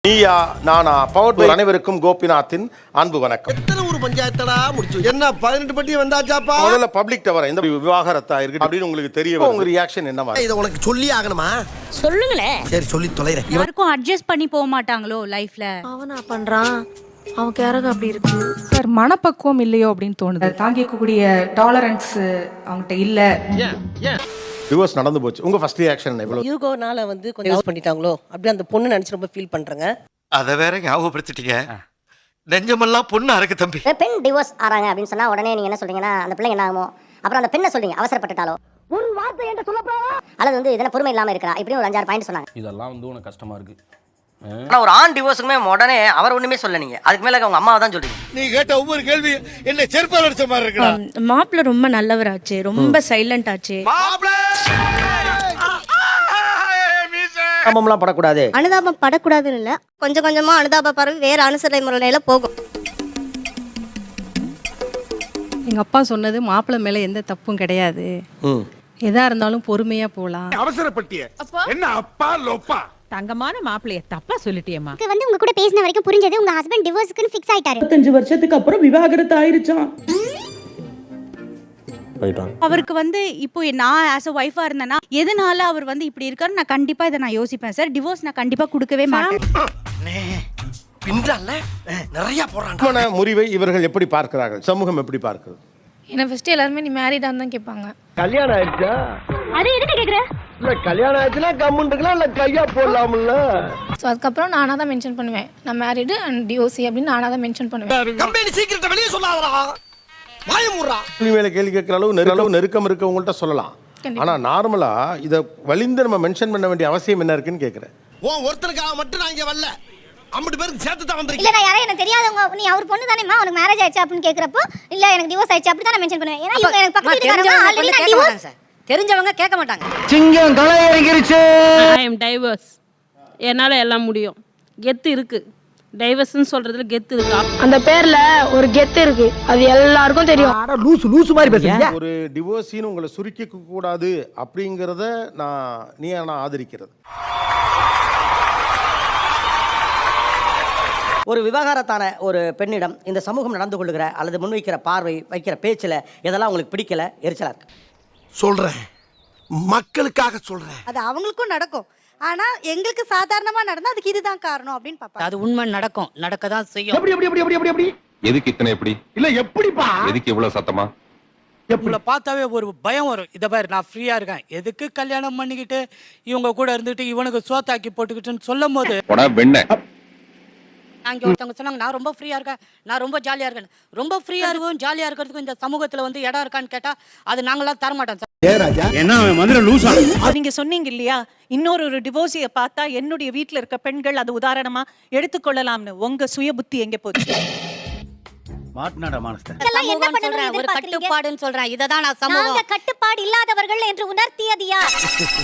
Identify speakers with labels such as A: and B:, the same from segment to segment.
A: நீயா நானா பவர் அனைவருக்கும் கோபிநாத்தின் அன்பு வணக்கம்.
B: எத்தனை ஊர் பஞ்சாயத்தடா முடிச்சு என்ன 18 பட்டி வந்தாச்சாப்பா?
A: முதல்ல பப்ளிக் டவர் இந்த விவாகரத்தா இருக்கு அப்படின்னு உங்களுக்கு தெரிய வரும். உங்க ரியாக்ஷன் என்னவா?
B: இத உனக்கு சொல்லி ஆகணுமா?
C: சொல்லுங்களே.
B: சரி சொல்லி தொலைறேன்.
C: யாருக்கும் அட்ஜஸ்ட் பண்ணி போக மாட்டாங்களோ லைஃப்ல.
D: அவனா பண்றான், அவன் கேரக அப்படி இருக்கு
E: சார். மனப்பக்குவம் இல்லையோ அப்படின்னு தோணுது. தாங்கிக்கக்கூடிய டாலரன்ஸ் அவங்ககிட்ட இல்ல.
A: டிவோர்ஸ் நடந்து போச்சு, உங்க ஃபர்ஸ்ட் ரியாக்ஷன் என்ன? இவ்வளவு
F: யூகோனால கொஞ்சம் யூஸ் பண்ணிட்டாங்களோ அப்படி அந்த பொண்ணு நினைச்சு ரொம்ப ஃபீல் பண்றேங்க.
G: அத வேற ஞாபகப்படுத்திட்டீங்க. நெஞ்சமெல்லாம் பொண்ணு அறக்கு தம்பி.
H: பெண் டிவோர்ஸ் ஆறாங்க அப்படின்னு சொன்னா உடனே நீங்க என்ன சொல்றீங்கன்னா அந்த பிள்ளை என்ன ஆகுமோ, அப்புறம் அந்த பெண்ணை சொல்றீங்க அவசரப்பட்டுட்டாலோ, ஒரு வார்த்தை என்கிட்ட சொல்லப்போ, அல்லது இதன பொறுமை இல்லாம இருக்கா, இப்படி ஒரு 5-6 பாயிண்ட் சொன்னாங்க.
I: இதெல்லாம் உனக்கு கஷ்டமா இருக்கு.
F: ஆனா ஒரு ஆண் டிவோர்ஸுக்குமே உடனே அவர் ஒண்ணுமே சொல்ல, நீங்க அதுக்கு மேல அவங்க அம்மாவை தான் சொல்றீங்க.
B: நீ கேட்ட ஒவ்வொரு கேள்வி என்ன செருப்பால அடிச்ச மாதிரி இருக்குடா.
D: மாப்பிள்ள ரொம்ப நல்லவராச்சு, ரொம்ப சைலண்ட் ஆச்சு.
F: அனுதாபம்லாம் படக்கூடாது.
H: அனுதாபம் படக்கூடாதுன்னு இல்ல, கொஞ்சம் கொஞ்சமா அனுதாப பரவி வேற அனுசரணை முறையில போகும்.
E: எங்க அப்பா சொன்னது மாப்பிள்ளை மேல எந்த தப்பும் கிடையாது, எதா இருந்தாலும் பொறுமையா போலாம்.
B: அவசரப்பட்டிய என்ன அப்பா லோப்பா?
C: தங்கமான மாப்பிள்ளைய தப்பா சொல்லிட்டியம்மா.
H: இது உங்க கூட பேசின வரைக்கும் புரிஞ்சது உங்க ஹஸ்பண்ட் டிவோர்ஸ்க்கு ஃபிக்ஸ் ஆயிட்டாரு.
E: 25 வருஷத்துக்கு அப்புறம் விவாகரத்து ஆயிருச்சான்.
C: அவருக்கு இப்போ நான் ஆஸ் அ ஒய்ஃபா இருந்தேன்னா எதனால அவர் இப்படி இருக்காரு, நான் கண்டிப்பா இதை நான் யோசிப்பேன் சார். டிவோர்ஸ் நான் கண்டிப்பா கொடுக்கவே மாட்டேன்.
B: பின்றால நிறைய போறான்.
A: திருமண முறிவை இவர்கள் எப்படி பார்க்கிறார்கள், சமூகம் எப்படி பார்க்கிறது?
D: என்ன ஃபர்ஸ்ட் எல்லாரும் நீ மேரிடான்னு தான் கேட்பாங்க.
B: கல்யாணம் ஆயிடுச்சா?
H: அது எதுக்கு கேக்குற?
B: இல்ல கல்யாணம் ஆயிடுச்சுனா கம்முன்னு இருக்கலாம், இல்ல கையா போடலாம்ல.
D: ஸோ அதுக்கப்புறம் நானாக தான் மென்ஷன் பண்ணுவேன், நான் மேரிடு அண்ட் டிவோர்ஸி அப்படின்னு நானாக தான் மென்ஷன் பண்ணுவேன்.
B: கம்பெனி சீக்கிரத்தை வெளியே சொல்லாதடா, வாய மூடுறா.
A: கேள்வி மேல கேள்வி கேட்கிற அளவு நெருக்கம் இருக்கவங்கள்ட்ட சொல்லலாம். ஆனா நார்மலா இதை வலிந்து நம்ம மென்ஷன் பண்ண வேண்டிய அவசியம் என்ன இருக்குன்னு கேட்கிறேன்.
B: ஒருத்தருக்காக மட்டும் நான் இங்க வரல, 50 பேருக்கு சேர்த்து தான் வந்திருக்கேன்.
H: இல்ல நான் யாரே எனக்கு தெரியாதவங்க, நீ அவர் பொண்ணு தானேமா, உனக்கு மேரேஜ் ஆயிடுச்சு அப்படின்னு கேக்குறப்போ இல்ல எனக்கு டிவோர்ஸ் ஆயிடுச்சு அப்படி தான் நான் மென்ஷன் பண்ணுவேன். ஏன்னா இவங்க எனக்கு பக்கத்துல இருக்காங்க, ஆல்ரெடி நான் டிவோர்ஸ்.
F: தெரிஞ்சவங்க கேட்க மாட்டாங்க.
B: சிங்கம் களை இறங்கிருச்சு.
J: ஐ அம் டைவர்ஸ், என்னால எல்லாம் முடியும், கெத்து இருக்கு. டைவர்ஸ்னு சொல்றதுல கெத்து இருக்கு.
D: அந்த பேர்ல ஒரு கெத்து இருக்கு, அது எல்லாருக்கும் தெரியும்.
B: ஆனா லூசு மாதிரி பேசுறீங்க.
A: ஒரு டிவோர்ஸின்னு உங்களை சுருக்கிக்க கூடாது அப்படிங்கறத நான் ஆதரிக்கிறது.
F: ஒரு விவாகரத்தான ஒரு பெண்ணிடம் இந்த சமூகம் நடந்து கொள்ளுகிற அல்லது முன்வைக்கிற பார்வை, வைக்கிற பேச்சில் இதெல்லாம் உங்களுக்கு பிடிக்கல, எரிச்சலா இருக்கு.
B: சொல்றேன், மக்களுக்காக சொல்றேன்.
K: அது அவங்களுக்கும் நடக்கும், ஆனா எங்களுக்கு சாதாரணமா நடந்தா அதுக்கு இதுதான் காரணம் அப்படின்னு பாப்பா.
F: அது உண்மை, நடக்கும், நடக்க தான் செய்யும்.
B: எப்படி
G: எதுக்கு இத்தனை எப்படி?
B: இல்ல எப்படிப்பா?
G: எதுக்கு இவ்வளவு சத்தமா?
I: இவங்கள பார்த்தாவே ஒரு பயம் வரும். இதை பாரு, நான் ஃப்ரீயா இருக்கேன், எதுக்கு கல்யாணம் பண்ணிக்கிட்டு இவங்க கூட இருந்துட்டு இவனுக்கு சோத்தாக்கி போட்டுக்கிட்டுன்னு சொல்லும் போது
F: அங்கே ஒருத்தவங்க சொன்னாங்க, நான் ரொம்ப ஃப்ரீயா இருக்கேன், நான் ரொம்ப ஜாலியா இருக்கேன். ரொம்ப ஃப்ரீயா இருக்கும் ஜாலியா இருக்கிறதுக்கும் இந்த சமூகத்துல இடம் இருக்கான்னு கேட்டா அது நாங்களாம் தரமாட்டோம் சார்.
K: நீங்க சொன்னீங்க இல்லையா, இன்னொரு டிவோர்ஸிய பார்த்தா என்னுடைய வீட்டுல இருக்க பெண்கள் அது உதாரணமா எடுத்துக்கொள்ளலாம்னு. உங்க சுய புத்தி எங்க போச்சு?
F: ஒரு கட்டுப்பாடுன்னு சொல்றேன், இததான் நான் சமூகம்.
H: நாங்க கட்டுப்பாடு இல்லாதவர்கள் என்று உணர்த்தியது யார்?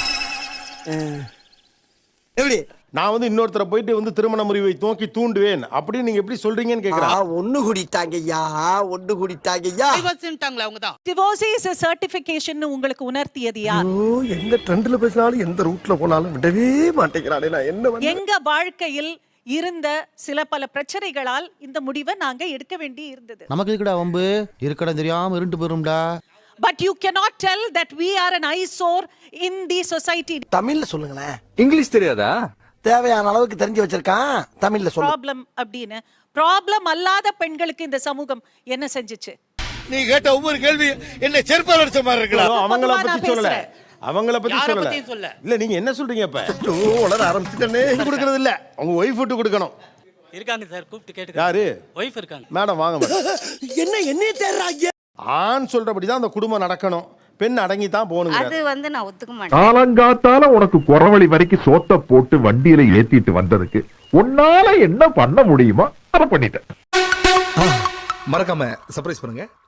B: எப்படி
A: நான் இன்னொருத்தரை போயிட்டு திருமண முறிவை நோக்கி தூண்டுவேன் அப்படின்னு நீங்க எப்படி சொல்றீங்கன்னு கேக்குறேன்.
B: ஒண்ணு குடித்தாங்கய்யா, ஒண்ணு குடித்தாங்கய்யா.
F: டைவர்ஸ்ன்றாங்களே அவங்க தான்.
K: டிவோர்ஸ் இஸ் சர்டிபிகேஷன் உங்களுக்கு உணர்த்தியது யார்?
B: எந்த ட்ரெண்ட்ல பேசினாலும் எந்த ரூட்ல போனாலும் விடவே மாட்டேங்கிறானே, நான் என்ன பண்ண?
K: எங்க வாழ்க்கையில் இருந்த சில பல பிரச்சனைகளால் இந்த முடிவை நாங்க எடுக்க வேண்டி இருந்தது.
I: நமக்கு இருக்கடா வம்பு, இருக்கடா தெரியாம இருண்டு போயிரும்டா.
K: But you cannot tell that we are an eyesore in the society.
B: தமிழ்ல சொல்லுங்களேன்.
G: இங்கிலீஷ் தெரியாதா?
B: தேவையான அளவுக்கு தெரிஞ்சு வச்சிருக்கான், தமிழ்ல சொல்லு.
K: ப்ராப்ளம் அப்படின்னு ப்ராப்ளம் அல்லாத பெண்களுக்கு இந்த சமூகம் என்ன செஞ்சுச்சு?
B: நீ கேட்ட ஒவ்வொரு கேள்வி என்ன செருப்பால அடிச்ச மாதிரி இருக்குடா.
A: அவங்கள பத்தி சொல்லல, அவங்கள பத்தி
F: சொல்ல.
A: இல்ல நீங்க என்ன சொல்றீங்க? இப்ப
B: உளர ஆரம்பிச்சிட்டனே.
A: கொடுக்கறது இல்ல, உங்க ஒய்ஃப் விட்டு கொடுக்கணும்.
I: இருக்காங்க சார், கூப்பிட்டு கேட்டு.
A: யாரு?
I: ஒய்ஃப் இருக்காங்க.
A: மேடம் வாங்க மேடம்.
B: என்ன தேடுறாங்க?
A: ஆண் சொல்றபடிதான் அந்த குடும்பம் நடக்கணும், பெண் அடங்கி தான் போகணுங்க.
C: அது நான் ஒத்துக்க மாட்டேன்.
L: காலங்காத்தால உனக்கு குறவழி வரைக்கும் சோத்த போட்டு வண்டியில ஏத்திட்டு வந்ததுக்கு உன்னால என்ன பண்ண முடியுமோ அதை பண்ணிட்டேன்.
G: மறக்காம சர்ப்ரைஸ் பண்ணுங்க.